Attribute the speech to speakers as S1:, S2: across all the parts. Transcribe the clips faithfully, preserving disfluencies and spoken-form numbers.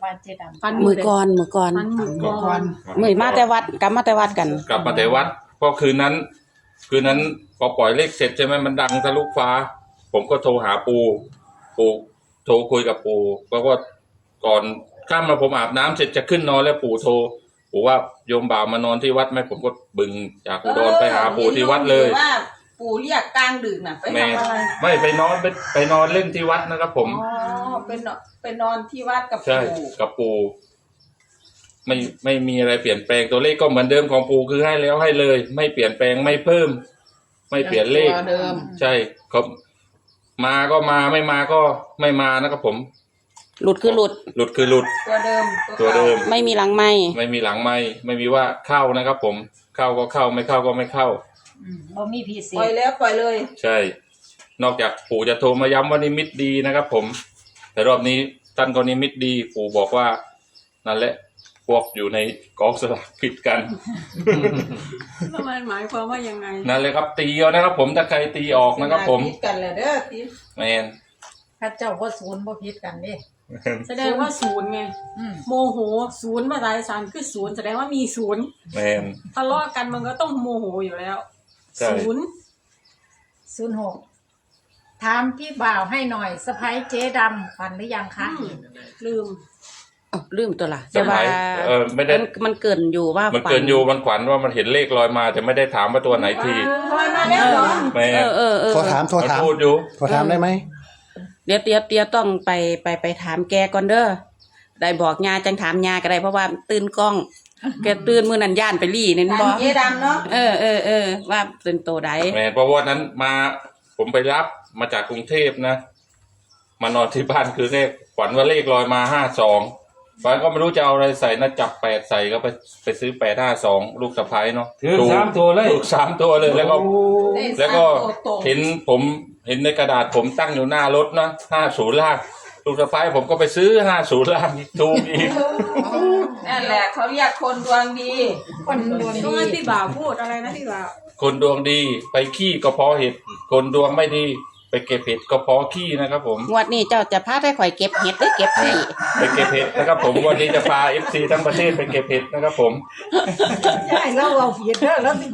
S1: ว่าเจดำ
S2: ฟัน
S3: มือก่อนมือก่อน
S2: ฟันมือก่อน
S3: มือมาแต่วัดกลับมาแต่วัดกัน
S4: กลับมาแต่วัดเพราะคืนนั้น คืนนั้นพอปล่อยเลขเสร็จใช่ไหมมันดังทะลุฟ้า ผมก็โทรหาปูปูโทรคุยกับปูเพราะว่าก่อนข้ามมาผมอาบน้ำเสร็จจะขึ้นนอนแล้วปู่โทรปู่ว่าโยมบ่าวมานอนที่วัดไหมผมก็บึงจากอุดรไปหาปู่ที่วัดเลย
S5: ว่าปู่เรียกกลางดึกน่ะไป
S4: แม่
S5: ทำอะไร
S4: ไม่ไปนอนไปไปนอนเล่นที่วัดนะครับผม
S5: อ๋อเป็นไปนอนที่วัดกับ
S4: ใช่
S5: ปู่
S4: กับปู่ไม่ไม่มีอะไรเปลี่ยนแปลงตัวเลขก็เหมือนเดิมของปู่คือให้แล้วให้เลย ไม่เปลี่ยนแปลงไม่เพิ่ม ไม่เปลี่ยนเลข
S1: ตัวเดิม
S4: ใช่ครับมาก็มาไม่มาก็ไม่มานะครับผม
S3: หลุดคือหลุด
S4: หลุดคือหลุด
S5: ตัวเดิม
S4: ตัวเดิม
S3: ไม่มีหลังไม่
S4: ไม่มีหลังไม่ไม่มีว่าเข้านะครับผมเข้าก็เข้าไม่เข้าก็ไม่เข้า
S1: อืมบ่มีพิเศ
S5: ปล่อย
S1: ษ
S5: แล้วปล่อยเลย
S4: ใช่ นอกจากปู่จะโทรมาย้ำว่านิมิตดีนะครับผม แต่รอบนี้ท่านก็นิมิตดี ปู่บอกว่านั่นแหละพวกอยู่ในกองสลากผิดกัน
S2: แล้วมันหมายความว่ายังไง
S4: นั่นเลยครับตีเอานะครับผมถ้าใครตีออกนะครับผม
S5: คิดกันเลยเด้อที
S4: แมน
S1: ถ้าเจ้าบ่ศูนย์บ่ผิดกันเด้
S2: แสดงว่าศูนย์ไง
S1: อืม
S2: โมโหศูนย์ภาษาอีสานคือศูนย์แสดงว่ามีศูนย์
S4: แมน
S2: ทะเลาะกันมันก็ต้องโมโหอยู่แล้ว
S4: ใช่
S2: ศูนย์
S1: ศูนย์หกถามพี่บ่าวให้หน่อยสะพ้ายเจ๊ดำฝันหรือยังคะ
S2: อืมลืม
S3: อ้าวลืมตัวละ
S4: ส
S3: แต่ว่า
S4: มัยเออไม่ได้
S3: มันมันเกินอยู่ว่า
S4: มันเกินอยู่มันขวัญว่ามันเห็นเลขลอยมาแต่ไม่ได้ถามว่าตัวไหนที
S5: ปล่อยมาแล้วเหรอ
S4: แม
S3: เอน อเออเออ
S6: โทรถามโทร
S4: มัน
S6: ถาม
S4: พูดอยู่
S6: โทรถามได้ไหม
S3: เดี๋ยวเดี๋ยวเดี๋ยวต้องไปไปไปถามแกก่อนเด้อได้บอกยาจังถามยาก็ได้เพราะว่าตื่นกล้อง แกตื่นมือนันย่านไปรี่นี่
S5: ทา
S3: บ
S5: ง
S3: อก
S5: เจ๊ดำเนาะ
S3: เออเออเออว่าเป็นโตใด
S4: แมนเพราะว่านั้นมาผมไปรับมาจากกรุงเทพนะมานอนที่บ้านคือเลขขวัญว่าเลขลอยมาห้าสองฝันก็ไม่รู้จะเอาอะไรใส่นะจับแปดใส่ก็ไปไปซื้อแปดห้าสองลูกสะพ้ายเนาะ
S7: ถือสามตัวเลย
S4: ถูกสามตัวเลยแล้วก็
S5: ได้
S4: แล้วก็
S5: สามตัวตรง
S4: เห็นผมเห็นในกระดาษผมตั้งอยู่หน้ารถนะห้าศูนย์ล่างลูกสะพ้ายผมก็ไปซื้อห้าศูนย์ล่างถูกอีก
S5: นั่นแหละเขาเรียกคนดวงดี
S1: คนดวง
S2: ช่ว
S1: ดี
S2: งที่บ่าวพูดอะไรนะที่บ่าว
S4: คนดวงดีไปขี้ก็เพราะเห็ดคนดวงไม่ดีไปเก็บเห็ดก็เพราะขี้นะครับผม
S3: งวดนี้เจ้าจะพาได้ข่อยเก็บเห็ดได้เก็บที่
S4: ไปเก็บเห็ดนะครับผมวันนี้จะพาเอฟซีทั้งประเทศไปเก็บเห็ดนะครับผม
S1: ใช่แล้วเราผิดเด้อแล้วสิ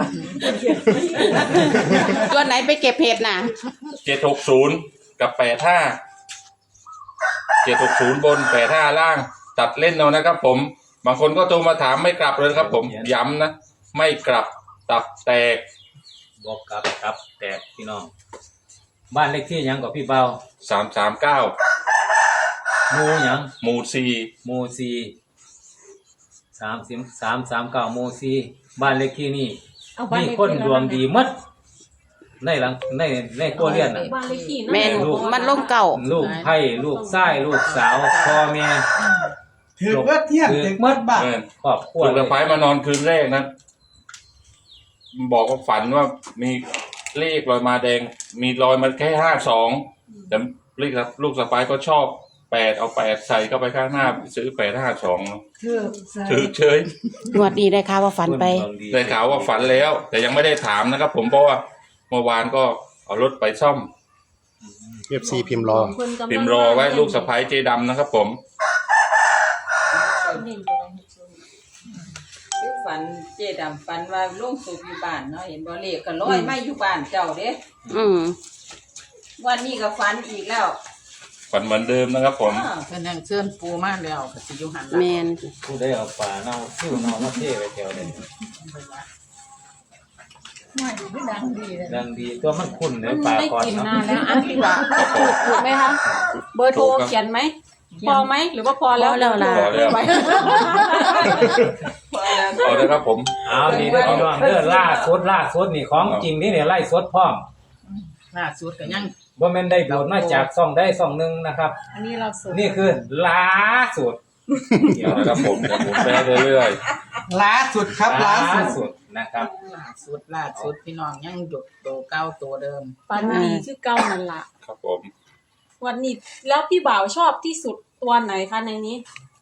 S3: ตัวไหนไปเก็บเห็ดน่ะ
S4: เจ็ดหกศูนย์กับแปดห้าเจ็ดหกศูนย์บนแปดห้าล่าง ตัดเล่นเอานะครับผมบางคนก็โทรมาถามไม่กลับเลยครับผมย้ำนะไม่กลับตับแตก
S7: บอกกลับครับแตกพี่น้อง บ้านเลขที่หยังกับพี่เบา
S4: สามสามเก้า
S7: หมูหยัง
S4: หมู่สี่
S7: หมูซีสามสิบสามสามเก้าหมูซีบ้านเลขที่นี่
S1: เอาบ้าน
S7: มี
S1: เลข
S7: คน
S1: ที่
S7: ดวงดีหมัดในหลังในในครัวเรือนน่ะ
S2: บ้านเลขที่
S3: แม่นมันลงเก่า
S7: ลูกไผ่ลูกไส้ลูกสาวพ่อแม่
S8: ถือว่าเที่ยง
S7: ถือ
S8: ถือมัดบ้า
S4: เออ
S7: ครอบครัว
S4: ลูก
S7: เล
S4: สะ
S7: ย
S4: พ้ายมานอนคืนแรกนะบอกว่าฝันว่ามีเลขลอยมาแดง มีรอยมันแค่ห้าสองแต่ลูกลูกสะพ้ายก็ชอบแปดเอาแปดใส่เข้าไปข้างหน้าซื้อแปดห้าสอง
S1: คือ
S4: ถือเฉย
S3: งวดนี้ได้ข่าวว่าฝันไป
S7: คดวงดี
S4: ได้ข่าวว่าฝันแล้ว แต่ยังไม่ได้ถามนะครับ ผมเพราะว่าเมื่อวานก็เอารถไปซ่อม
S6: เอฟซีพิมพ์รอ
S4: พิมพ์รอไว้ลูกสะพ้ายเจดำนะครับ ผม
S5: คือฝันเจ๊ดำฝันว่าลงสูบอยู่บ้านเนาะเห็นบ่เลขก็ลอยมาอยู่บ้านเจ้าเด้
S3: อืม
S5: วันนี้ก็ฝันอีกแล้ว
S4: ฝันเหมือนเดิมนะครับ ผม
S5: อ้าว
S1: เป็นอย่างเชิญปูมาแล้วก็สิอยู่หันหลัง
S3: แมน
S7: ผู้ได้เอาป่าเน่าซิ่วเน่ามาเทไว้แถวเลย
S1: ไม่ไม่ดังดีเลย
S7: ดังดีตัวมันคุ้นเล
S2: มั
S7: ย
S2: น
S7: ป่า
S2: ได้
S7: ก่อน
S2: กิน
S7: เนาะ
S2: นานแล้วอ่ะพี่บ่าวถูกไหมคะเบอร์โทรเขียนไหมพอไหมหรือว่าพอแล้ว
S3: พอแล้วล่ะ
S4: พอแล้ว
S2: ไหม
S5: พอแล้ว
S4: เอาเลยครับผม
S7: เอาดีเด้อพี่น้องเด้อล่าสุดล่าสุดนี่ของจริงนี่เนี่ยไล่สดพร้อม
S1: ล่าสุดก็ยัง
S7: บ่แม่นได้โดดมาจากซ่องได้ซ่องหนึงนะครับ
S1: อันนี้เราสุด
S7: นี่คือล่าสุด
S4: เดี๋ยวนะครับผมเดี๋ยวผมไปเรื่อย
S8: ล้าสุดครับล้าสุด
S7: สุดนะครับ
S1: ล่าสุดล่าสุดพี่น้องยังหยุดโตเก้าตัวเดิม
S2: ปันดีชื่อเก้านั่นละ
S4: ๆครับผม
S2: วันนี้แล้วพี่บ่าวชอบที่สุดตัวไหนคะในนี้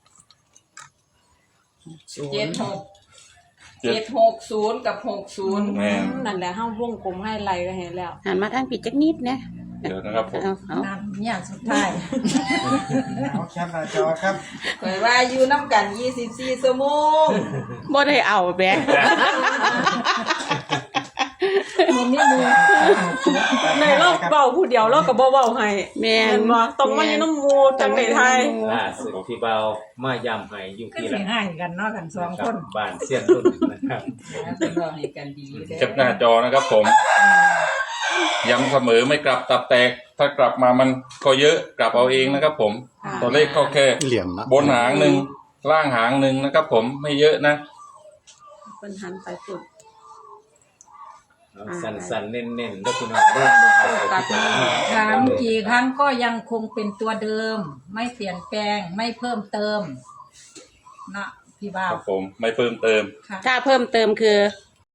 S5: เจ็ดหกเจ็ดหกศูนย์กับหกศูนย์
S4: แม่
S2: นั่นแหละห้าวงกลมให้ไล่ก็เห็นแล้ว
S3: หันมาทางปิดจักนิดนะเอ
S4: เดี๋ยวนะครับผม
S3: เอาเอา
S1: นั่นเนี่ยสุดท้าย
S8: เอาแคปหน้าจอครับ
S5: ข่อยว่าอยู่น้ำกันยี่สิบสี่ชั่วโมง
S3: บ่ได้เอาแบะ
S1: มือนี่มือ
S2: ในโลกเบาผู้เดียวเราก็บ่เว้าให้
S3: แม่
S2: แม่
S3: น
S2: นบ่ต้องมาอยู่น้ำหมู่จังได๋ไทย
S7: ล่าสุดพี่เบามาย้ำให้อยู่
S1: ก็
S7: ที่
S1: สิ
S7: ละ
S1: ให้กันเนาะกันสองคน
S7: บ้านเสียนรุ่นนะครับ
S5: เป็นรองให้กันดีอยู่เด้อ
S4: แคปหน้าจอนะครับผมย้ำเสมอไม่กลับตับแตก ถ้ากลับมามันก็เยอะกลับเอาเองนะครับผม ตัวเลขก็แค่
S6: เหลี่ยมนะ
S4: บนหางหนึ่งล่างหางหนึ่งนะครับผมไม่เยอะนะ
S3: เพิ่นหันไปสุด
S7: เอาสั้นๆเน้นๆแล้วพี่น้องเด้อเอาไปพิจารณา
S1: ถามกี่ครั้งก็ยังคงเป็นตัวเดิม ไม่เปลี่ยนแปลงไม่เพิ่มเติมเนาะพี่บ่า
S4: คว รับผมไม่เพิ่มเติม
S1: ค่ะ
S3: ถ้าเพิ่มเติมคือ